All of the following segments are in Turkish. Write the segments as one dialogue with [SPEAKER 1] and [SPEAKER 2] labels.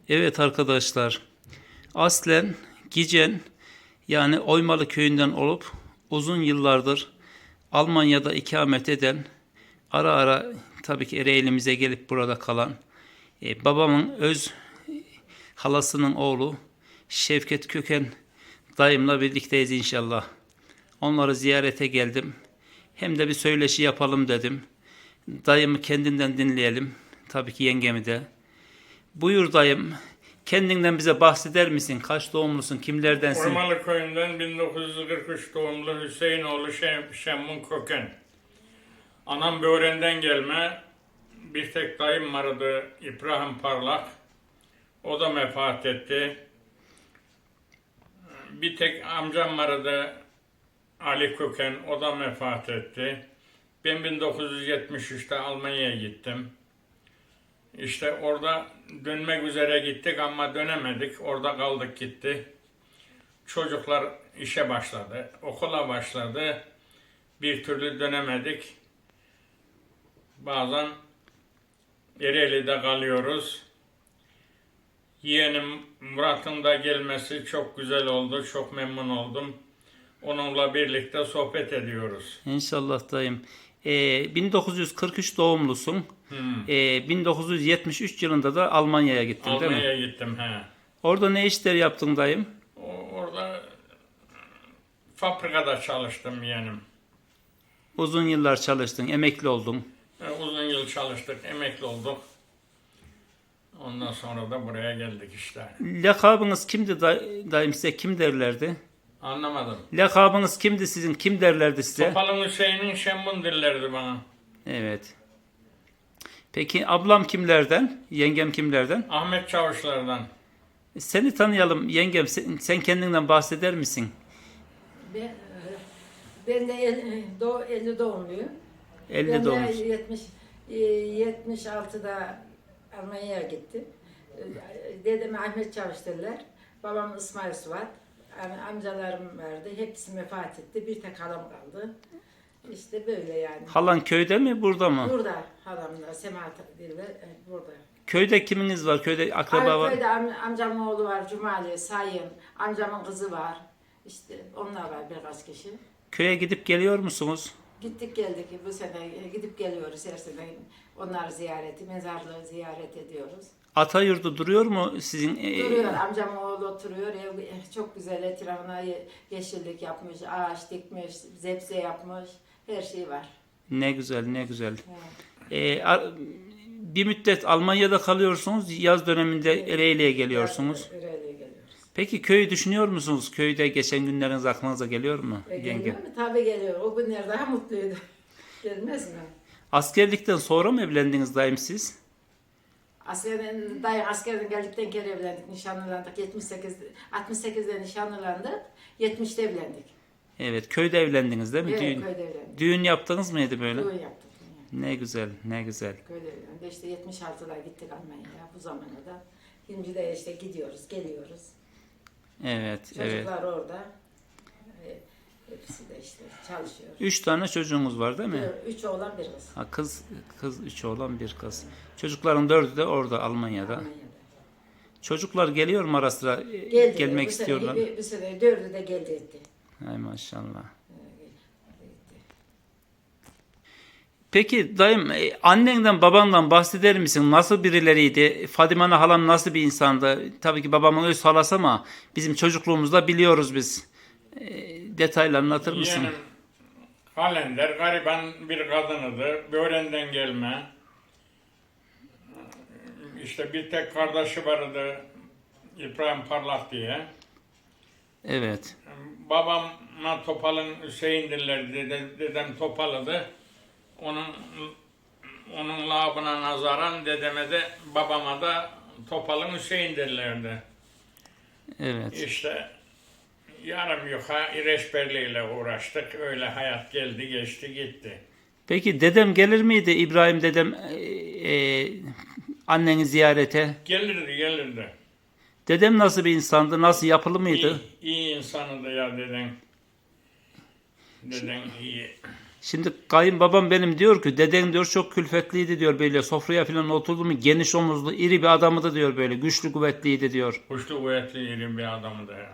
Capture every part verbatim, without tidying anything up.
[SPEAKER 1] Evet arkadaşlar, aslen Gicen yani Oymalı köyünden olup uzun yıllardır Almanya'da ikamet eden, ara ara tabii ki Ereğli'mize gelip burada kalan e, babamın öz halasının oğlu Şevket Köken dayımla birlikteyiz inşallah. Onları ziyarete geldim. Hem de bir söyleşi yapalım dedim. Dayımı kendinden dinleyelim. Tabii ki yengemi de. Buyur dayım. Kendinden bize bahseder misin? Kaç doğumlusun? Kimlerdensin?
[SPEAKER 2] Oymalı köyünden bin dokuz yüz kırk üç doğumlu Hüseyinoğlu Şem, Şemmun Köken. Anam Böğren'den gelme. Bir tek dayım vardı İbrahim Parlak. O da vefat etti. Bir tek amcam vardı Ali Köken. O da vefat etti. Ben bin dokuz yüz yetmiş üçte Almanya'ya gittim. İşte orada dönmek üzere gittik ama dönemedik. Orada kaldık gitti. Çocuklar işe başladı, okula başladı. Bir türlü dönemedik. Bazen Ereğli'de kalıyoruz. Yeğenim Murat'ın da gelmesi çok güzel oldu, çok memnun oldum. Onunla birlikte sohbet ediyoruz.
[SPEAKER 1] İnşallah dayım. Ee, bin dokuz yüz kırk üç doğumlusun.
[SPEAKER 2] Hmm.
[SPEAKER 1] Ee, bin dokuz yüz yetmiş üç yılında da Almanya'ya gittin değil mi?
[SPEAKER 2] Almanya'ya gittim. He.
[SPEAKER 1] Orada ne işler yaptın dayım?
[SPEAKER 2] O- Orada fabrikada çalıştım yeğenim.
[SPEAKER 1] Uzun yıllar çalıştın, emekli oldun.
[SPEAKER 2] E, Uzun yıl çalıştık, emekli olduk. Ondan sonra da buraya geldik işte.
[SPEAKER 1] Lakabınız kimdi day- dayım size? Kim derlerdi?
[SPEAKER 2] Anlamadım.
[SPEAKER 1] Lakabınız kimdi sizin? Kim derlerdi size?
[SPEAKER 2] Topalın Hüseyin'in Şembun dillerdi bana.
[SPEAKER 1] Evet. Peki ablam kimlerden? Yengem kimlerden?
[SPEAKER 2] Ahmet Çavuşlar'dan.
[SPEAKER 1] Seni tanıyalım yengem. Sen, sen kendinden bahseder misin?
[SPEAKER 3] Ben, e, ben de el- doğ, elli doğumluyum.
[SPEAKER 1] elli
[SPEAKER 3] Ben
[SPEAKER 1] doğmuş.
[SPEAKER 3] de yetmiş, e, yetmiş altıda Almanya'ya gittim. E, Dedem Ahmet Çavuşlarlar. Babam İsmail Suat. Am- Amcalarım vardı. Hepsi vefat etti. Bir tek halam kaldı. İşte böyle yani.
[SPEAKER 1] Halan köyde mi burada mı?
[SPEAKER 3] Burada halamla, Semahat dille e, burada.
[SPEAKER 1] Köyde kiminiz var? Köyde akraba var.
[SPEAKER 3] Köyde am- amcamın oğlu var, Cumali, Sayın. Amcamın kızı var. İşte onlar var birkaç kişi.
[SPEAKER 1] Köye gidip geliyor musunuz?
[SPEAKER 3] Gittik geldik bu sene gidip geliyoruz her sene onları ziyareti, mezarlığı ziyaret ediyoruz.
[SPEAKER 1] Ata yurdu duruyor mu sizin? e,
[SPEAKER 3] Duruyor amcamın oğlu oturuyor ev çok güzel etrafına ye- yeşillik yapmış, ağaç dikmiş, zepse yapmış, her şey var.
[SPEAKER 1] Ne güzel, ne güzel.
[SPEAKER 3] Evet.
[SPEAKER 1] E, a- bir müddet Almanya'da kalıyorsunuz. Yaz döneminde Ereğli'ye geliyorsunuz.
[SPEAKER 3] Öyle geliyoruz.
[SPEAKER 1] Peki köyü düşünüyor musunuz? Köyde geçen günleriniz aklınıza geliyor mu?
[SPEAKER 3] E,
[SPEAKER 1] Yenge?
[SPEAKER 3] geliyor mu? Tabii geliyor. O günler daha mutluydu. Gelmez mi?
[SPEAKER 1] Askerlikten sonra mı evlendiniz dayım siz?
[SPEAKER 3] Askerden, dayı askerden geldikten kere evlendik, nişanlandık. yetmiş sekiz, altmış sekizde nişanlandık, yetmişte evlendik.
[SPEAKER 1] Evet, köyde evlendiniz değil mi?
[SPEAKER 3] Evet,
[SPEAKER 1] Düğün,
[SPEAKER 3] köyde evlendik.
[SPEAKER 1] düğün yaptınız mıydı böyle?
[SPEAKER 3] Düğün yaptık. Yani.
[SPEAKER 1] Ne güzel, ne güzel.
[SPEAKER 3] Köyde evlendik. İşte yetmiş altıda gittik Almanya'ya bu zamana da. Şimdi de işte gidiyoruz, geliyoruz.
[SPEAKER 1] Evet, evet.
[SPEAKER 3] Çocuklar orada. E, Hepsi de işte çalışıyor.
[SPEAKER 1] Üç tane çocuğumuz var değil mi?
[SPEAKER 3] Bir- Üç oğlan bir kız.
[SPEAKER 1] Ha, kız, kız üç oğlan bir kız. Çocukların dördü de orada Almanya'da.
[SPEAKER 3] Almanya'da.
[SPEAKER 1] Çocuklar geliyor mu ara sıra? E,
[SPEAKER 3] Geldi.
[SPEAKER 1] Gelmek
[SPEAKER 3] bu sene-
[SPEAKER 1] istiyorlar.
[SPEAKER 3] Bir, bir sene dördü de geldi etti.
[SPEAKER 1] Hay maşallah.
[SPEAKER 3] E,
[SPEAKER 1] Peki dayım e, annenden babandan bahseder misin? Nasıl birileriydi? Fadime Ana halam nasıl bir insandı? Tabii ki babamın öz halası ama bizim çocukluğumuzda biliyoruz biz. E, detaylı anlatır mısın?
[SPEAKER 2] Yeğenim Kalender gariban bir kadınıdı. Böğren'den gelme. İşte bir tek kardeşi vardı İbrahim Parlak diye.
[SPEAKER 1] Evet.
[SPEAKER 2] Babama Topal'ın Hüseyin dillerdi. Dede, dedem Topal'ıdı. Onun onun labına nazaran dedeme de babama da Topal'ın Hüseyin dillerdi.
[SPEAKER 1] Evet.
[SPEAKER 2] İşte yarım yuka İreçberli'yle uğraştık. Öyle hayat geldi geçti gitti.
[SPEAKER 1] Peki dedem gelir miydi İbrahim dedem e, e, anneni ziyarete?
[SPEAKER 2] Gelirdi gelirdi.
[SPEAKER 1] Dedem nasıl bir insandı? Nasıl yapılı mıydı?
[SPEAKER 2] İyi, iyi insanıydı ya deden. Deden iyi.
[SPEAKER 1] Şimdi kayınbabam benim diyor ki deden diyor çok külfetliydi diyor, böyle sofraya falan oturdu mu geniş omuzlu iri bir adamıydı diyor, böyle güçlü kuvvetliydi diyor.
[SPEAKER 2] Kuşlu kuvvetli ilim bir adamdı ya.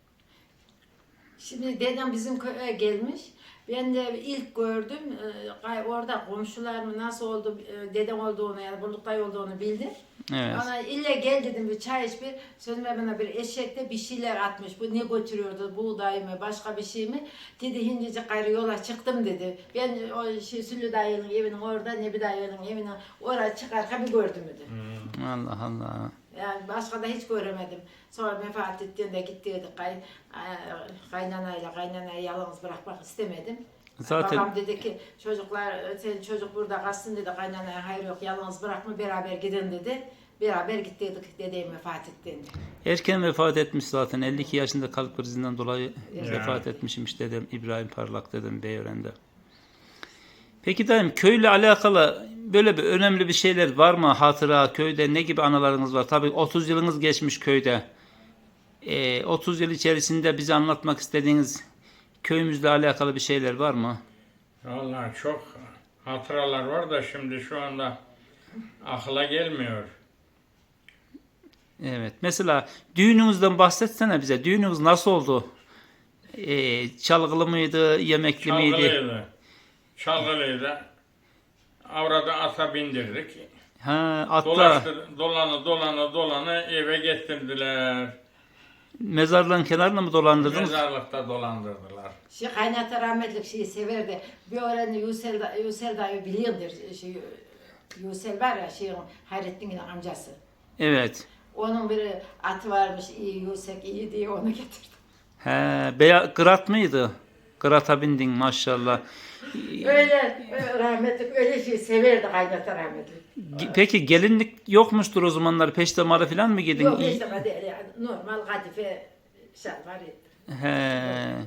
[SPEAKER 3] Şimdi dedem bizim köye gelmiş. Ben de ilk gördüm. e, gay- Orada komşularım nasıl oldu, e, dedem olduğunu yani Bulutay olduğunu bildim.
[SPEAKER 1] Evet.
[SPEAKER 3] Ona ille gel dedim, bir çay iç bir. Sözüme bana bir eşekte bir şeyler atmış. Bu ne götürüyordu? Buğday mı? Başka bir şey mi? Dedi hincecik gayrı yola çıktım dedi. Ben o şey, Süllü dayının evinin orada, Nebi dayının evinin oraya çıkarken bir gördüm dedi.
[SPEAKER 1] Allah Allah.
[SPEAKER 3] Yani başka da hiç göremedim. Sonra vefat ettiğinde gittiydik kay, e, kaynanayla, kaynanayı yalnız bırakmak istemedim.
[SPEAKER 1] Zaten-
[SPEAKER 3] Babam dedi ki çocuklar, sen çocuk burada kalsın dedi, kaynanaya hayır yok, yalnız bırakma, beraber gidin dedi. Beraber gittiydik dedem vefat ettiğinde.
[SPEAKER 1] Erken vefat etmiş zaten, elli iki yaşında kalp krizinden dolayı
[SPEAKER 3] Evet.
[SPEAKER 1] vefat etmişmiş dedem İbrahim Parlak dedem Beyören'de. Peki dayım, köyle alakalı böyle bir önemli bir şeyler var mı? Hatıra, köyde ne gibi anılarınız var? Tabii otuz yılınız geçmiş köyde. Ee, otuz yıl içerisinde bize anlatmak istediğiniz köyümüzle alakalı bir şeyler var mı?
[SPEAKER 2] Vallahi çok hatıralar var da şimdi şu anda akla gelmiyor.
[SPEAKER 1] Evet. Mesela düğününüzden bahsetsene bize. Düğününüz nasıl oldu? Ee, çalgılı mıydı, yemekli miydi?
[SPEAKER 2] Çalgılıydı. Çalgılıydı. Avrada ata bindirdik.
[SPEAKER 1] Ha, atla.
[SPEAKER 2] Dolaştı, dolanı dolanı dolanı eve getirdiler.
[SPEAKER 1] Mezarlığın kenarına mı dolandırdınız?
[SPEAKER 2] Mezarlıkta dolandırdılar.
[SPEAKER 3] Şey kaynata rahmetlik şeyi severdi. Bir öğrenci Yusel, da- Yusel dayı biliyordur. Şey, Yusel var ya şeyin Hayrettin'in amcası.
[SPEAKER 1] Evet.
[SPEAKER 3] Onun bir atı varmış iyi Yusek iyi diye onu getirdim.
[SPEAKER 1] He, beya Grat mıydı? Grat'a bindin maşallah.
[SPEAKER 3] Öyle öyle rahmetlik öyle şey severdi kaynata rahmetlik.
[SPEAKER 1] Ge- Peki gelinlik yokmuştur o zamanlar. Peştemalı falan mı giydin?
[SPEAKER 3] Yok işte değil yani normal kadife şalvar.
[SPEAKER 1] He.
[SPEAKER 3] Yani,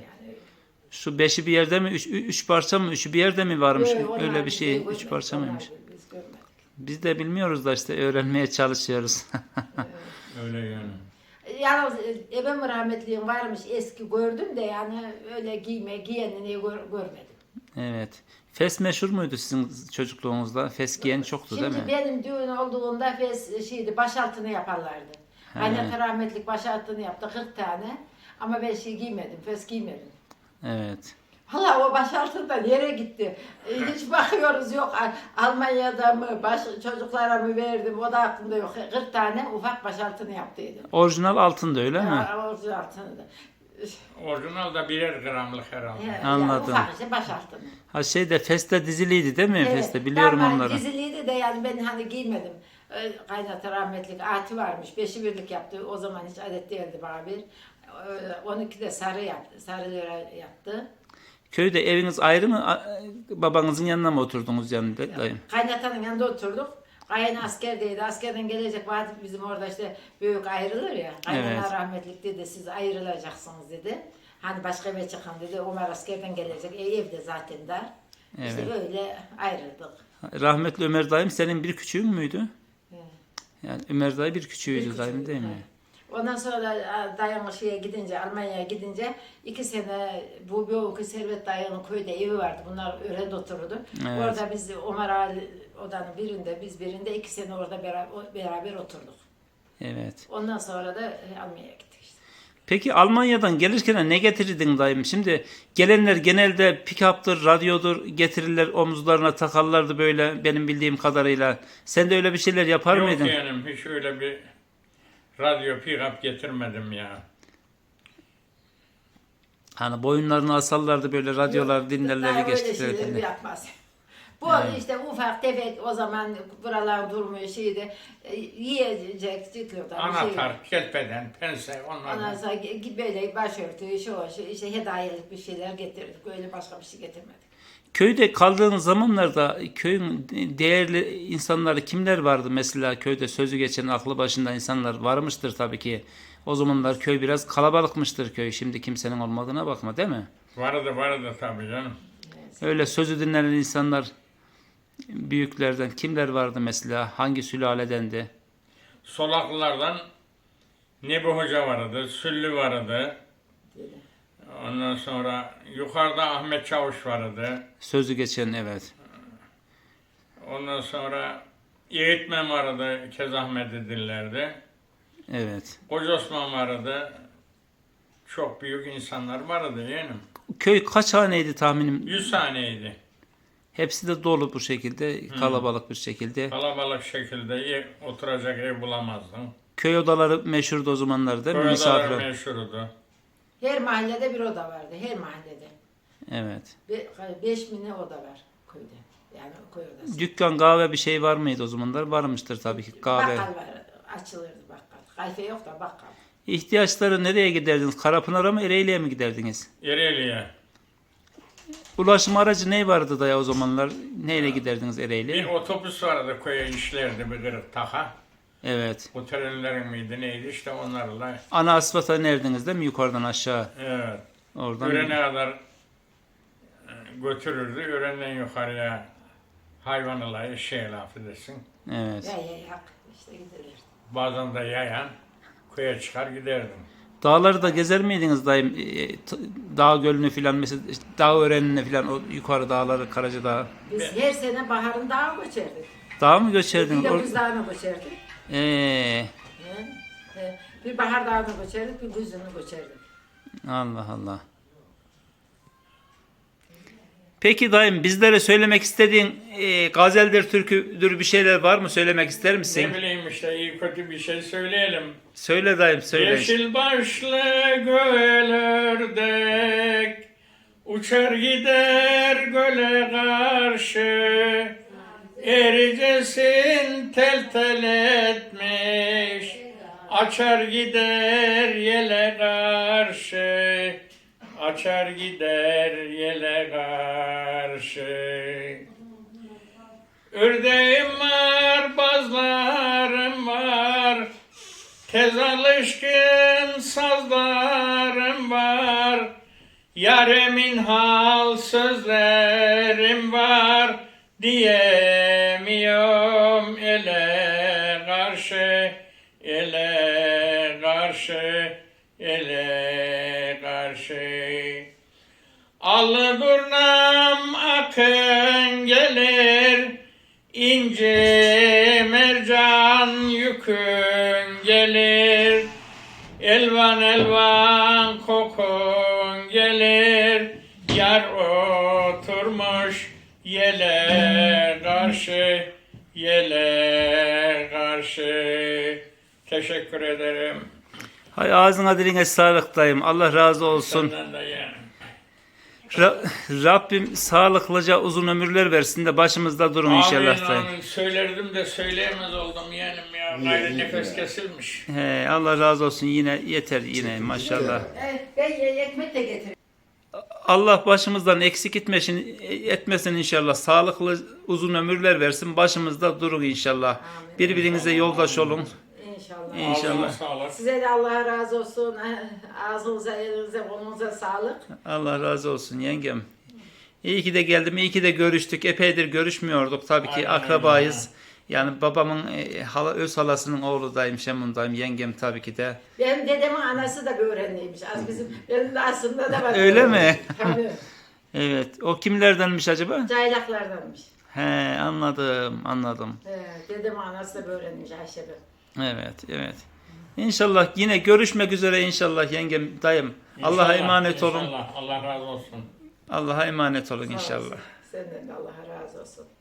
[SPEAKER 1] Şu beşi bir yerde mi? Üç, üç parça mı? Üçü bir yerde mi varmış?
[SPEAKER 3] Yok, onlar
[SPEAKER 1] Öyle bir
[SPEAKER 3] biz
[SPEAKER 1] şey.
[SPEAKER 3] görmedik,
[SPEAKER 1] Üç parça
[SPEAKER 3] onlar
[SPEAKER 1] mıymış?
[SPEAKER 3] biz görmedik.
[SPEAKER 1] Biz de bilmiyoruz da işte öğrenmeye çalışıyoruz.
[SPEAKER 2] Öyle yani.
[SPEAKER 3] Yalnız e, ebem rahmetliğim varmış eski gördüm de yani öyle giyme giyenini gör- görmedim.
[SPEAKER 1] Evet. Fes meşhur muydu sizin çocukluğunuzda? Fes giyen çoktu değil
[SPEAKER 3] Şimdi
[SPEAKER 1] mi?
[SPEAKER 3] benim düğün olduğunda fes şeydi başaltını yaparlardı.
[SPEAKER 1] He.
[SPEAKER 3] Kaynata rahmetlik başaltını yaptı kırk tane ama ben şey giymedim, fes giymedim.
[SPEAKER 1] Evet.
[SPEAKER 3] Hala o başaltında nereye gitti? E, hiç bakıyoruz yok Al- Almanya'da mı baş, çocuklara mı verdim o da aklımda yok. kırk tane ufak başaltını yaptıydım.
[SPEAKER 1] Orijinal altında öyle mi?
[SPEAKER 3] Ya, orijinaltını da.
[SPEAKER 2] Orijinal da birer gramlık herhalde.
[SPEAKER 3] He,
[SPEAKER 1] Anladım.
[SPEAKER 3] Yani ufak işte başaltını.
[SPEAKER 1] Ha şeyde Fes'te diziliydi değil mi?
[SPEAKER 3] Evet,
[SPEAKER 1] Feste biliyorum
[SPEAKER 3] tamam,
[SPEAKER 1] onları.
[SPEAKER 3] Diziliydi de yani ben hani giymedim. Ee, Kaynata rahmetlik ati varmış. Beşi birlik yaptı. O zaman hiç adet değildi bana bir. Ee, on iki de sarı yaptı. Sarı lira yaptı.
[SPEAKER 1] Köyde eviniz ayrı mı? A- Babanızın yanına mı oturdunuz yanında dayım?
[SPEAKER 3] Kaynatanın yanında oturduk. Kayın askerdeydi. Askerden gelecek vakit bizim orada işte büyük ayrılır ya. Kaynana
[SPEAKER 1] Evet.
[SPEAKER 3] rahmetlik dedi siz ayrılacaksınız dedi. Hani başka eve çıkın dedi. Ömer askerden gelecek. E, evde zaten dar. İşte
[SPEAKER 1] Evet.
[SPEAKER 3] öyle ayrıldık.
[SPEAKER 1] Rahmetli Ömer dayım senin bir küçüğün müydü?
[SPEAKER 3] Evet.
[SPEAKER 1] Yani Ömer dayı bir küçüğüydü
[SPEAKER 3] Bir
[SPEAKER 1] dayım
[SPEAKER 3] küçüğü,
[SPEAKER 1] değil mi?
[SPEAKER 3] he. Ondan sonra dayanışıya gidince, Almanya'ya gidince iki sene bu büyük Servet dayının köyde evi vardı. Bunlar öğrende otururdu.
[SPEAKER 1] Evet.
[SPEAKER 3] Orada biz Ömer Ali odanın birinde, biz birinde iki sene orada beraber, beraber oturduk.
[SPEAKER 1] Evet.
[SPEAKER 3] Ondan sonra da Almanya'ya gittik işte.
[SPEAKER 1] Peki Almanya'dan gelirken ne getirdin dayım? Şimdi gelenler genelde pick-up'tır, radyodur getirirler, omuzlarına takarlardı böyle benim bildiğim kadarıyla. Sen de öyle bir şeyler yapar
[SPEAKER 2] Yok
[SPEAKER 1] mıydın?
[SPEAKER 2] yani hiç öyle bir radyo pick-up getirmedim ya.
[SPEAKER 1] Hani boyunlarını asarlardı böyle radyolar
[SPEAKER 3] Yok,
[SPEAKER 1] dinlerler
[SPEAKER 3] daha öyle şeyleri
[SPEAKER 1] geçtiklerinde.
[SPEAKER 3] yapmaz. Bu
[SPEAKER 1] Evet.
[SPEAKER 3] işte ufak tefek o zaman buralar durmuyor şeyde e, yiyecek çıkıyordu.
[SPEAKER 2] Anahtar, kelpeden, pense onlar.
[SPEAKER 3] Ondan sonra gi- böyle başörtü, şu, şu işte hediyelik bir şeyler getirdik. Öyle başka bir şey getirmedik.
[SPEAKER 1] Köyde kaldığın zamanlarda köyün değerli insanları kimler vardı mesela köyde sözü geçen aklı başında insanlar varmıştır tabii ki. O zamanlar köy biraz kalabalıkmıştır köy. Şimdi kimsenin olmadığına bakma değil mi?
[SPEAKER 2] Vardı vardı tabii canım.
[SPEAKER 1] Öyle sözü dinlenen insanlar büyüklerden kimler vardı mesela? Hangi sülaledendi?
[SPEAKER 2] Solaklılardan Nebi Hoca vardı, Süllü vardı. Ondan sonra yukarıda Ahmet Çavuş vardı.
[SPEAKER 1] Sözü geçen, evet.
[SPEAKER 2] Ondan sonra Eğitmen vardı, Kezahmet edillerdi.
[SPEAKER 1] Evet.
[SPEAKER 2] Koca Osman vardı. Çok büyük insanlar vardı yeğenim.
[SPEAKER 1] Köy kaç haneydi tahminim?
[SPEAKER 2] Yüz taneydi.
[SPEAKER 1] Hepsi de dolu bu şekilde, kalabalık bir şekilde.
[SPEAKER 2] Kalabalık şekilde ev- oturacak ev bulamazdın.
[SPEAKER 1] Köy odaları meşhurdu o zamanlar değil mi?
[SPEAKER 2] Köy
[SPEAKER 1] Misafir.
[SPEAKER 2] odaları meşhurdu.
[SPEAKER 3] Her mahallede bir oda vardı, her mahallede.
[SPEAKER 1] Evet.
[SPEAKER 3] Be beş bine oda var köyde. Yani köy odası.
[SPEAKER 1] Dükkan, kahve bir şey var mıydı o zamanlar? Varmıştır tabii ki kahve.
[SPEAKER 3] Bakkal var, açılırdı bakkal. Kayfe yok da bakkal.
[SPEAKER 1] İhtiyaçları nereye giderdiniz? Karapınar'a mı, Ereğli'ye mi giderdiniz?
[SPEAKER 2] Ereğli'ye.
[SPEAKER 1] Ulaşım aracı ne vardı da ya o zamanlar? Neyle giderdiniz
[SPEAKER 2] Bir
[SPEAKER 1] Ereğli'ye?
[SPEAKER 2] otobüs vardı köye işlerdi bir kırık taka.
[SPEAKER 1] Evet.
[SPEAKER 2] Bu trenlerin miydi neydi işte onlarla.
[SPEAKER 1] Ana asfalta inerdiniz değil mi? Yukarıdan aşağı.
[SPEAKER 2] Evet.
[SPEAKER 1] Oradan.
[SPEAKER 2] Öğrene kadar e, götürürdü. Öğrenden yukarıya hayvanla şey laf edesin.
[SPEAKER 1] Evet.
[SPEAKER 3] Ya ya yak işte gidilir.
[SPEAKER 2] Bazen de yayan köye çıkar giderdim.
[SPEAKER 1] Dağları da gezer miydiniz dayım? E, t- Dağ gölünü filan mesela işte dağ örenine filan o yukarı dağları Karaca Dağı.
[SPEAKER 3] Biz her sene baharın dağa göçerdik.
[SPEAKER 1] Dağ mı
[SPEAKER 3] Bir
[SPEAKER 1] göçerdiniz?
[SPEAKER 3] de
[SPEAKER 1] Or-
[SPEAKER 3] buz dağına göçerdik.
[SPEAKER 1] Ee,
[SPEAKER 3] He, he. Bir bahar dağına göçerdik, bir güzünü göçerdik.
[SPEAKER 1] Allah Allah. Peki dayım bizlere söylemek istediğin e, gazeldir, türküdür bir şeyler var mı? Söylemek ister misin?
[SPEAKER 2] Ne bileyim işte iyi kötü bir şey söyleyelim.
[SPEAKER 1] Söyle dayım söyle.
[SPEAKER 2] Yeşil başlı göl ördek uçar gider göle karşı, ericesin tel tel etmiş, açar gider yele karşı, açar gider yele karşı. Ördeğim var, bazlarım var, tez alışkın sazlarım var, yaremin hal sözlerim var, diyemiyorum ele karşı, ele karşı, ele karşı. Allı durnam akın gelir, İnce mercan yükün gelir, elvan elvan kokun gelir, yar oturmuş yele karşı, yele karşı. Teşekkür ederim.
[SPEAKER 1] Hay ağzına diline sağlık dayım. Allah razı olsun.
[SPEAKER 2] Senden de yani.
[SPEAKER 1] Ra- Rabbim sağlıklıca uzun ömürler versin de başımızda durun inşallah
[SPEAKER 2] Amin
[SPEAKER 1] dayım.
[SPEAKER 2] amin. Söylerdim de söyleyemez oldum yeğenim ya. Gayrı nefes kesilmiş.
[SPEAKER 1] He, Allah razı olsun yine yeter yine maşallah.
[SPEAKER 3] Evet, ben ye- ekmek de getirdim.
[SPEAKER 1] Allah başımızdan eksik etmesin, etmesin inşallah. Sağlıklı uzun ömürler versin. Başımızda durun inşallah.
[SPEAKER 3] Amin.
[SPEAKER 1] Birbirinize yoldaş olun.
[SPEAKER 3] İnşallah.
[SPEAKER 1] İnşallah.
[SPEAKER 2] Ağzına sağlık.
[SPEAKER 3] Size de Allah razı olsun. Ağzınıza, elinize, kolunuza sağlık.
[SPEAKER 1] Allah razı olsun yengem. İyi ki de geldim, iyi ki de görüştük. Epeydir görüşmüyorduk. Tabii ki
[SPEAKER 2] Aynen,
[SPEAKER 1] akrabayız. Yani babamın e, hala, öz halasının oğludayım, Şemun'dayım. Yengem tabii ki de.
[SPEAKER 3] Benim dedemin anası da bir öğrenliymiş. Az bizim, benim de aslında da var.
[SPEAKER 1] Öyle mi?
[SPEAKER 3] Tabii.
[SPEAKER 1] Evet. O kimlerdenmiş acaba?
[SPEAKER 3] Caylaklardanmış.
[SPEAKER 1] He, anladım, anladım.
[SPEAKER 3] Ee, dedemin anası da bir öğrenmiş Ayşe Bey.
[SPEAKER 1] Evet, evet. İnşallah yine görüşmek üzere inşallah yengem, dayım. Allah'a
[SPEAKER 2] İnşallah,
[SPEAKER 1] emanet olun.
[SPEAKER 2] İnşallah. Allah razı olsun.
[SPEAKER 1] Allah'a emanet olun
[SPEAKER 3] Sağ
[SPEAKER 1] inşallah.
[SPEAKER 3] olasın. Senden de Allah razı olsun.